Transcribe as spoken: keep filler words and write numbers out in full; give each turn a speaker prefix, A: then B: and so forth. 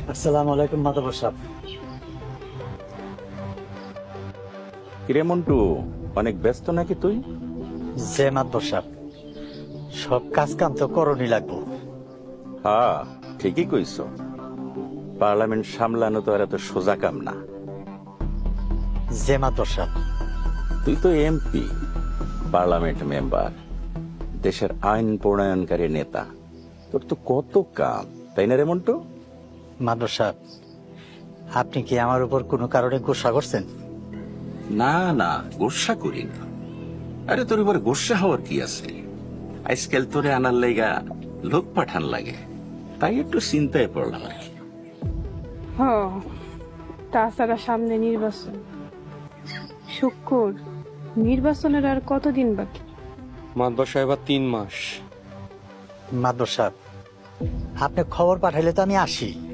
A: আসসালামু আলাইকুম মাধব সাহেব।
B: কিরে মন্টু, অনেক ব্যস্ত নাকি তুই?
A: যে মাধব সাহেব, সব কাজ কাম তো করণই লাগবো।
B: হ্যাঁ, ঠিকই কইছ। পার্লামেন্ট সামলানো তো আর এত সোজা কাম না।
A: যে মাধব সাহেব,
B: তুই তো এমপি, পার্লামেন্ট মেম্বার, দেশের আইন প্রণয়নকারী নেতা। তোর তো কত কাম, তাই না রে মন্টু?
A: মাধব সাহেব, আপনি কি আমার উপর কোনো কারণে গোসা করছেন?
C: না না, গোসা করি না। আরে তোর এবার গোসা হওয়ার কি আছে? আজকাল তোরে আনার লাইগা লোক পাঠান লাগে, তাই একটু চিন্তায় পড়লাম আর কি।
D: হ, তাছাড়া সামনে নির্বাচন। শুক্র, নির্বাচনের আর কতদিন বাকি?
E: মাদবর সাহেব আর তিন মাস।
A: মাধব সাহেব, আপনি খবর পাঠাইলে তো আমি আসি।